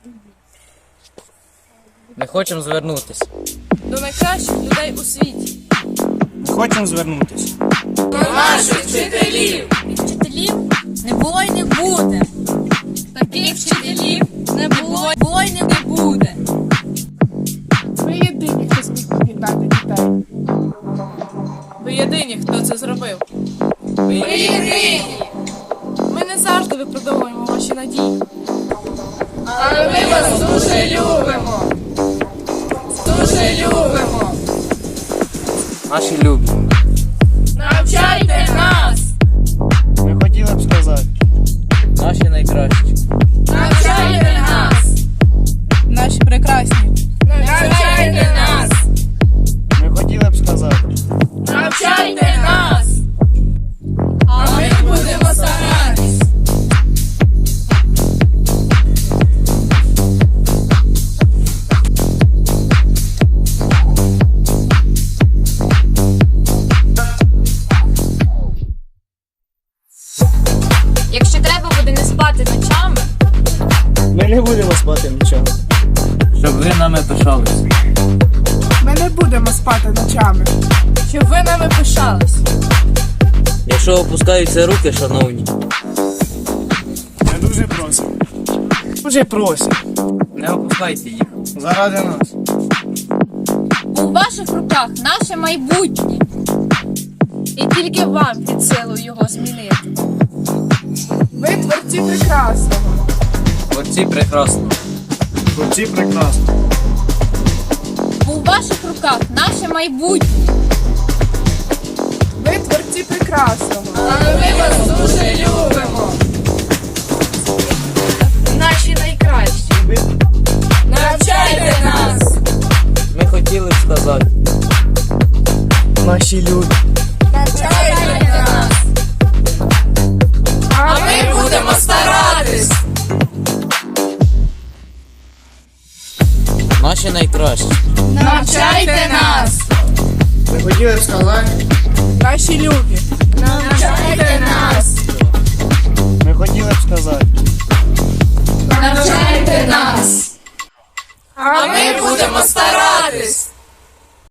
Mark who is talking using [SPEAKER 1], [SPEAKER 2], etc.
[SPEAKER 1] Ми хочемо звернутися
[SPEAKER 2] До найкращих людей у світі.
[SPEAKER 3] Ми хочемо звернутися
[SPEAKER 2] До наших вчителів.
[SPEAKER 4] Вчителів не було й не буде. Таких вчителів не було й не буде.
[SPEAKER 2] Ви єдині, хто зміг об'єднати дітей. Ви єдині, хто це зробив. Ви єдині. Ми не завжди виправдовуємо ваші надії. Але ми вас дуже любимо. Дуже любимо.
[SPEAKER 1] наші любі.
[SPEAKER 2] Навчайте нас.
[SPEAKER 3] Ми хотіли б сказати.
[SPEAKER 1] Наші найкращі.
[SPEAKER 2] Навчайте нас.
[SPEAKER 4] Наші прекрасні.
[SPEAKER 2] Навчайте нас.
[SPEAKER 3] Ми хотіли б сказати.
[SPEAKER 2] Навчайте нас. А ми будемо старатись.
[SPEAKER 4] Якщо треба буде не спати ночами,
[SPEAKER 3] Ми не будемо спати нічого.
[SPEAKER 1] Щоб ви нами пишалися.
[SPEAKER 2] Ми не будемо спати ночами. Щоб ви нами пишались.
[SPEAKER 1] Якщо опускаються руки, шановні,
[SPEAKER 3] Ми дуже просимо. Дуже просимо.
[SPEAKER 1] не опускайте їх.
[SPEAKER 3] Заради нас.
[SPEAKER 4] у ваших руках наше майбутнє. І тільки вам під силу його змінити.
[SPEAKER 2] Ви творці прекрасного.
[SPEAKER 1] Творці прекрасно.
[SPEAKER 3] Хлопці прекрасно.
[SPEAKER 4] У ваших руках наше майбутнє.
[SPEAKER 2] Ви творці прекрасного. Але ми вас дуже любимо. Наші найкращі. Навчайте нас.
[SPEAKER 1] Ми хотіли б сказати.
[SPEAKER 3] Наші люди.
[SPEAKER 2] Навчайте нас. А ми будемо старатись.
[SPEAKER 1] Наші найкращі.
[SPEAKER 2] Навчайте нас.
[SPEAKER 3] Ми хотіли б сказати.
[SPEAKER 2] Наші любі. Навчайте нас.